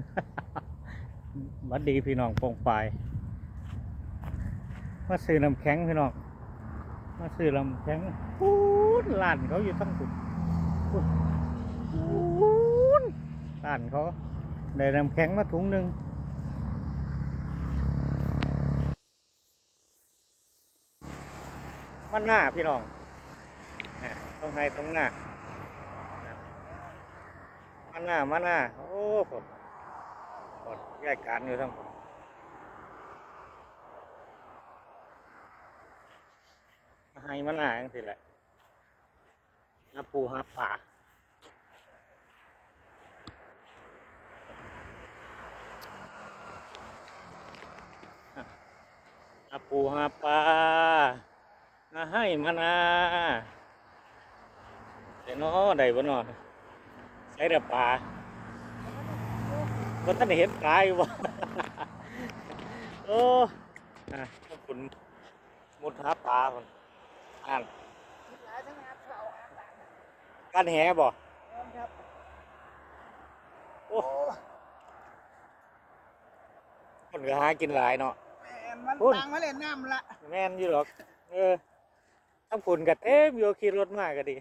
บัดดีพี่น้องปองปายมาซื้อน้ำแข็งพี่น้องมาซื้อน้ำแข็งพูดร้านเขาอยู่ทั้งสุดพูดร้านเขาได้น้ำแข็งมาถุงหนึ่งมันหน้าพี่น้องตรงไหนตรงหน้ามันหน้าโอ้ผมกดแยกการอยู่ทั้งผมให้มันหน้าจังสิแหละหาปูหาปลาหาปูหาปลามาให้มันนาเดี๋ยวน้อได้บ่นอนใช้แต่ปลาก็ท่านเห็นปลาอยู่บ่ โอ้ขอบคุณมุดหาปลาคนอ่านการแหบ่โอ้คนก็หากินหลายเนาะมันตังมาเล่นน้ำละแม่นอยู่หรอกทั้งฝุ่นกับเต็มอยู่ขี่รถมากก็ดี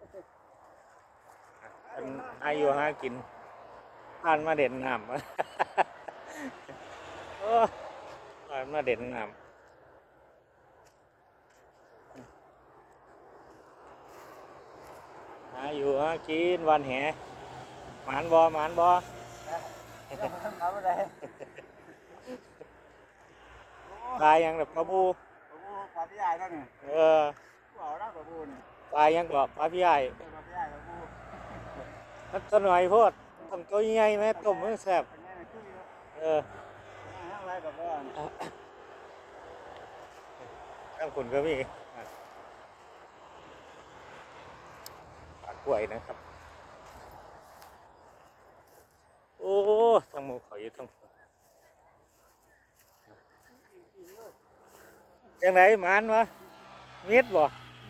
อายุหากินผ่านมาเด่นน้ำ โอ้ผ่านมาเด่นน้ำหาอยู่หากินวันแหหมานบ่ทำอะไรตายยังแบบปลาบูปลาพี่ใหญ่นั่นไงกูเอาแล้วปลาบูเนี่ยตายยังก็ปลาพี่ใหญ่ปลาพี่ใหญ่ปลาบูนักหน่อยโพดทำตัวใหญ่ไหมต้มมันแซ่บอะไรกับว่าข้างคุณก็มีปลากล้วยนะครับโอ้ทั้งหมูเขาอยู่ทั้งจังไหนหมานวะมิดบ่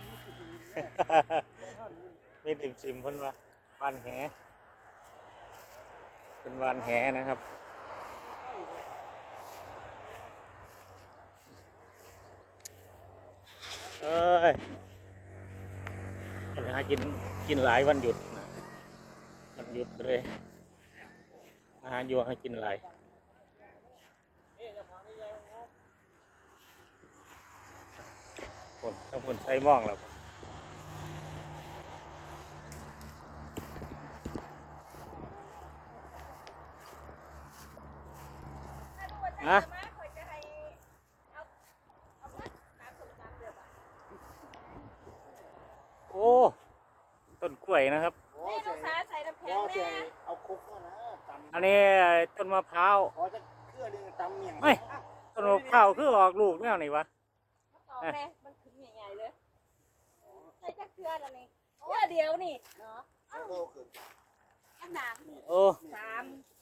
มีติ่มๆเพิ่นว่าบ้านแหเป็นบ้านแหนะครับเอ้ยหากินหลายวันหยุดวันหยุดเลยอาหารอยู่ให้กินหลายคนทั้งคนใช้มองแล้วฮะโอ้ต้นกล้วยนะครับเอาคุกนะตำอันนี้ต้นมะพร้าวขอจะเครื่องนึงตำเมี่ยงไม่ต้นมะพร้าวคือออกลูกแนวไหนวะมันขึ้นใหญ่ๆเลยใส่จักเกลือแล้วนี่โอ้เดียวนี่เนาะอันหนังนี่โอ้ 3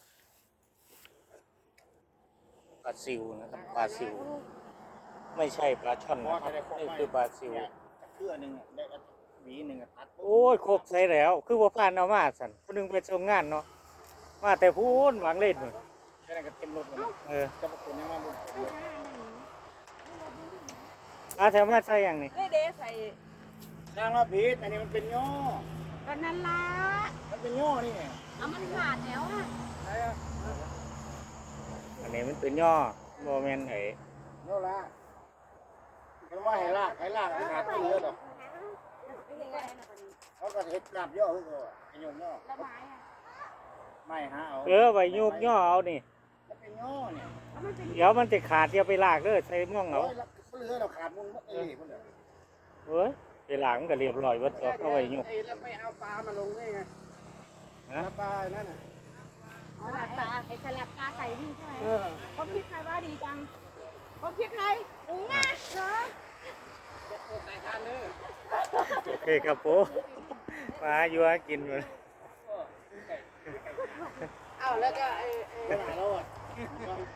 ปลาซิวนะครับปลาซิวไม่ใช่ปลาช่อนนะครับนี่คือปลาซิวเครื่องนึงได้หวีนึงตัดโอ้ยครบใส่แล้วคือว่าผ่านเอามาสั่นคนนึงไปส่งงานเนาะมาแต่พูนหวังเล่นแค่นั้นก็เต็มรถเลยจะมาคนยังมาบุญแถวมาใส่อย่างนี้เด้ใส่นางว่าพีชอันนี้มันเป็นย่อก็นั่นละมันเป็นย่อนี่เอามันขาดแล้วอ่ะอันนี้มันเป็นย่อโมเมนต์ย่อละเพราะว่าให้ลากขาดไม่เยอะหรอกเขาก็เห็ดกลับย่อคือเขาไอ้ย่อย่อไม่ฮะเอาไว้ยุกย่อเอานี่มันเป็นย่อเนี่ยเดี๋ยวมันจะขาดเดี๋ยวไปลากเลยใส่ม่วงเอาเลือเราขาดมุนเอ้ยมันเฮ้ยไปลากมันก็เรียบร้อยวัดตัวเข้าไว้ยุกแล้วไม่เอาปลามาลงได้ไงปลานั่นน่ะเอาปลาไอ้สลับปลาใส่นี่ใช่ไหมเขาคิดใครว่าดีจังเขาคิดใครอุ้งอ่ะเหรอโอเคครับผมมาอยู่หากินเลยเอาแล้วก็ไอ้เราอ่ะ